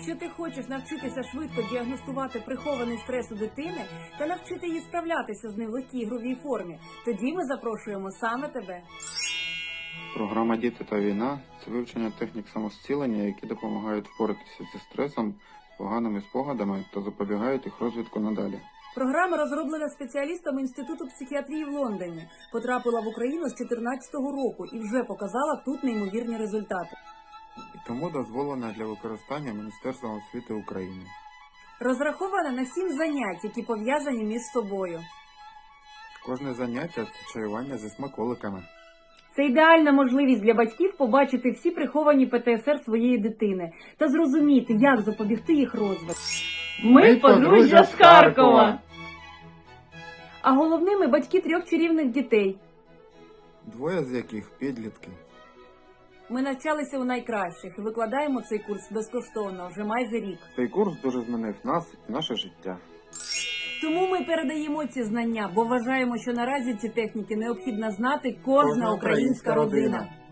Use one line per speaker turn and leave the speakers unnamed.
Якщо ти хочеш навчитися швидко діагностувати прихований стрес у дитини та навчити її справлятися з ним в легкій ігровій формі, тоді ми запрошуємо саме тебе.
Програма «Діти та війна» – це вивчення технік самозцілення, які допомагають впоратися зі стресом, поганими спогадами та запобігають їх розвитку надалі.
Програма розроблена спеціалістами Інституту психіатрії в Лондоні, потрапила в Україну з 2014 року і вже показала тут неймовірні результати.
І тому дозволена для використання Міністерством освіти України.
Розрахована на 7 занять, які пов'язані між собою.
Кожне заняття – це чаювання зі смаколиками.
Це ідеальна можливість для батьків побачити всі приховані ПТСР своєї дитини та зрозуміти, як запобігти їх розвитку.
Ми подружжя з Харкова!
А головними батьки 3 чарівних дітей.
2 з яких – підлітки.
Ми навчалися у найкращих і викладаємо цей курс безкоштовно вже майже рік.
Цей курс дуже змінив нас і наше життя.
Тому ми передаємо ці знання, бо вважаємо, що наразі ці техніки необхідно знати кожна українська родина.